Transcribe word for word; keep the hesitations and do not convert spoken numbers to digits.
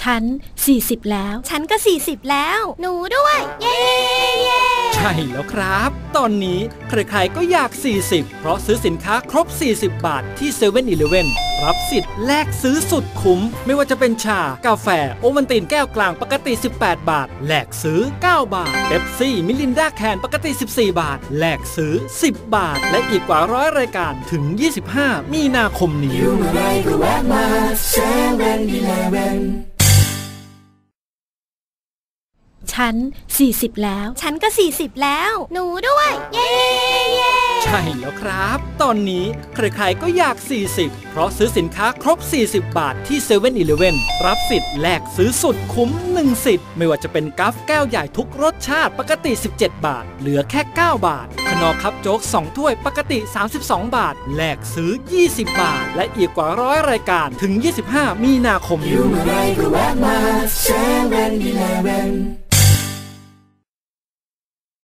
ฉันสี่สิบแล้วฉันก็สี่สิบแล้วหนูด้วยเย้ใช่แล้วครับตอนนี้ใครๆก็อยากสี่สิบเพราะซื้อสินค้าครบสี่สิบบาทที่ เซเว่น อีเลฟเว่น รับสิทธิ์แลกซื้อสุดคุ้มไม่ว่าจะเป็นชากาแฟโอวัลตินแก้วกลางปกติสิบแปดบาทแลกซื้อเก้าบาทเป๊ปซี่มิรินดาแคนปกติสิบสี่บาทแลกซื้อสิบบาทและอีกกว่าร้อยรายการถึงยี่สิบห้ามีนาคมนี้อยู่เมื่อไรก็แวะมาเซเว่น อีเลฟเว่นฉันสี่สิบแล้วฉันก็สี่สิบแล้วหนูด้วยเย้ใช่แล้วครับตอนนี้ใครๆก็อยากสี่สิบเพราะซื้อสินค้าครบสี่สิบบาทที่ เซเว่น อีเลฟเว่น รับสิทธิ์แลกซื้อสุดคุ้มหนึ่งสิทธิ์ไม่ว่าจะเป็นกัฟแก้วใหญ่ทุกรสชาติปกติสิบเจ็ดบาทเหลือแค่เก้าบาทขนมคัพโจ๊กสองถ้วยปกติสามสิบสองบาทแลกซื้อยี่สิบบาทและอีกกว่าร้อยรายการถึงยี่สิบห้ามีนาคมนี้อยู่เมื่อไรก็แวะมา เซเว่น อีเลฟเว่น